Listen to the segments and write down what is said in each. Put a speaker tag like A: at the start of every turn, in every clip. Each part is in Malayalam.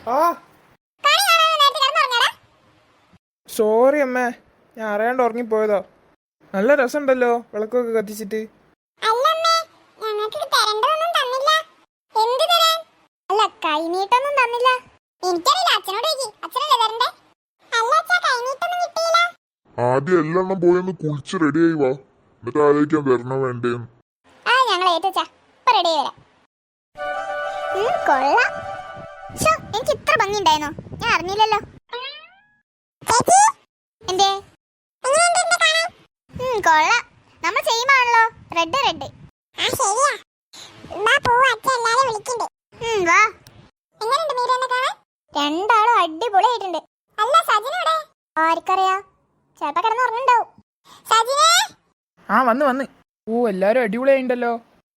A: ആ സോറി അമ്മേ, ഞാൻ അറിയാണ്ട് ഉറങ്ങിപ്പോയതാ. നല്ല രസമുണ്ടല്ലോ വിളക്കൊക്കെ കത്തിച്ചിട്ട്.
B: ആദ്യം എല്ലാം പോയൊന്ന് കുളിച്ച് റെഡിയായി വാ, എന്നിട്ട് ആലോചിക്കാൻ വരണോ വേണ്ടേന്ന്.
C: എനിക്ക് ഇത്ര ഭംഗി ഉണ്ടായിരുന്നോ? ഞാൻ അറിഞ്ഞില്ലല്ലോ. എന്തേ കൊള്ളാം, നമ്മൾ സെയിം ആണല്ലോ. Red red. രണ്ടാളും അടിപൊളിയായിട്ടുണ്ട്. ആർക്കറിയാ, ചിലപ്പോ കിടന്നുറങ്ങുണ്ടാവും.
A: ആ വന്ന് ഓ എല്ലാരും അടിപൊളിയായിണ്ടല്ലോ.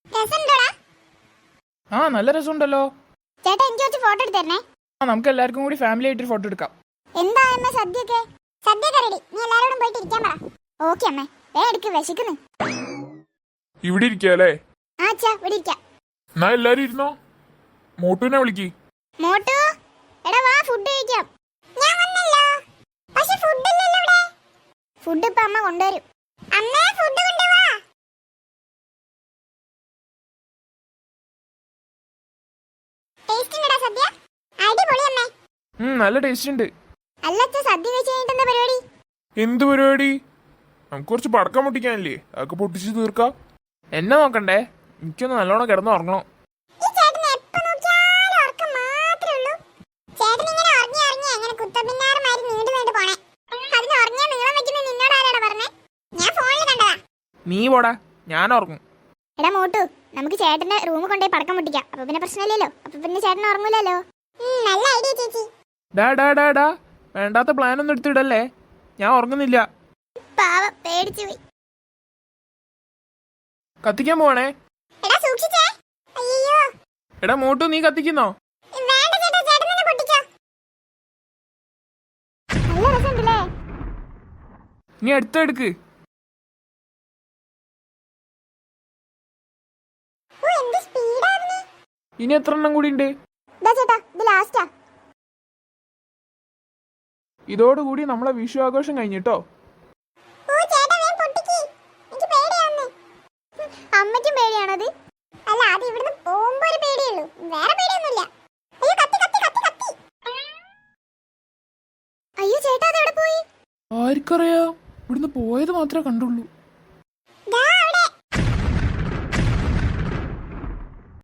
A: ആ നല്ല രസമുണ്ടല്ലോ.
C: ചേട്ടാ എനിക്ക് കുറച്ച് ഫോട്ടോ എടുത്തരണേ.
A: ആ നമുക്ക് എല്ലാവർക്കും കൂടി ഫാമിലി ആയിട്ട് ഫോട്ടോ എടുക്കാം.
C: എന്താ അമ്മ സദ്യയൊക്കെ റെഡി. നീ എല്ലാരോടും പോയിട്ട് ഇരിക്കാൻ പറ. ഓക്കെ അമ്മേ, എടുക്ക്, വിശക്കുന്നു.
B: ഇവിടെ ഇരിക്കാല്ലേ?
C: ആ അച്ഛാ ഇവിടെ ഇരിക്കാം.
B: എന്നാ എല്ലാരും ഇരുന്നോ. മോട്ടുവിനെ വിളിക്ക്.
C: മോട്ടു എടാ വാ, ഫുഡ് കഴിക്കാം. ഞാൻ വന്നല്ലോ. പക്ഷെ ഫുഡ് ഇല്ലല്ലോ ഇവിടെ. ഫുഡ് ഇപ്പോ അമ്മ കൊണ്ടുവരും. അമ്മേ ഫുഡ് കൊണ്ടുവാ. ടേസ്റ്റ് ഉണ്ടടാ സദ്യ? അടിപൊളി അമ്മേ.
A: നല്ല ടേസ്റ്റ് ഉണ്ട്.
C: അല്ല അച്ഛാ, സദ്യ കഴിച്ച് കഴിഞ്ഞിട്ട് എന്താ പരിപാടി?
B: എന്ത് പരിപാടി? നമുക്ക് കുറച്ച് പടക്കം പൊട്ടിക്കാനില്ലേ, അതൊക്കെ പൊട്ടിച്ച് തീർക്കാം.
A: എന്നെ നോക്കണ്ടേ, എനിക്കൊന്ന് നല്ലോണം കിടന്ന് ഉറങ്ങണം. നീ പോടാ, ഞാൻ ഉറങ്ങും.
C: എടാ മോട്ടു, നമുക്ക് ചേട്ടന്റെ റൂമിൽ കൊണ്ടുപോയി പടക്കം പൊട്ടിക്കാം. അപ്പൊ പിന്നെ പ്രശ്നമില്ലല്ലോ. അപ്പൊ പിന്നെ ചേട്ടൻ ഉറങ്ങൂലല്ലോ. നല്ല ഐഡിയ ചേച്ചി.
A: ഡാ വേണ്ടാത്ത പ്ലാൻ ഒന്നും എടുത്തിടല്ലേ, ഞാൻ ഉറങ്ങുന്നില്ല.
C: പാവം പേടിച്ചു പോയി.
A: കത്തിക്കാൻ പോവാണേ.
C: എടാ സൂക്ഷിച്ചേ. അയ്യോ.
A: എടാ മോട്ടു, നീ കത്തിക്കുന്നോ?
C: വേണ്ട ചേട്ടാ, ചേട്ടൻ തന്നെ പൊട്ടിച്ചോ. നല്ല രസമുണ്ടല്ലേ.
A: നീ അടുത്തെടുക്ക്. ഇനി എത്ര എണ്ണം കൂടി ഉണ്ട്?
C: ചേട്ടാ ഇത് ലാസ്റ്റാ.
A: ഇതോടുകൂടി നമ്മളെ വിഷു ആഘോഷം കഴിഞ്ഞിട്ടോ.
C: അമ്മയ്ക്കും പേടിയാണത്? അല്ല, അത് ഇവിടുന്ന് പോകുമ്പോ ഒരു പേടിയുള്ളൂ, വേറെ പേടിയൊന്നുമില്ല. അയ്യോ കത്തി കത്തി കത്തി കത്തി. അയ്യോ ചേട്ടാ, അത് എവിടെ പോയി?
A: ആർക്കറിയാം, ഇവിടുന്ന് പോയത് മാത്രമേ കണ്ടുള്ളൂ.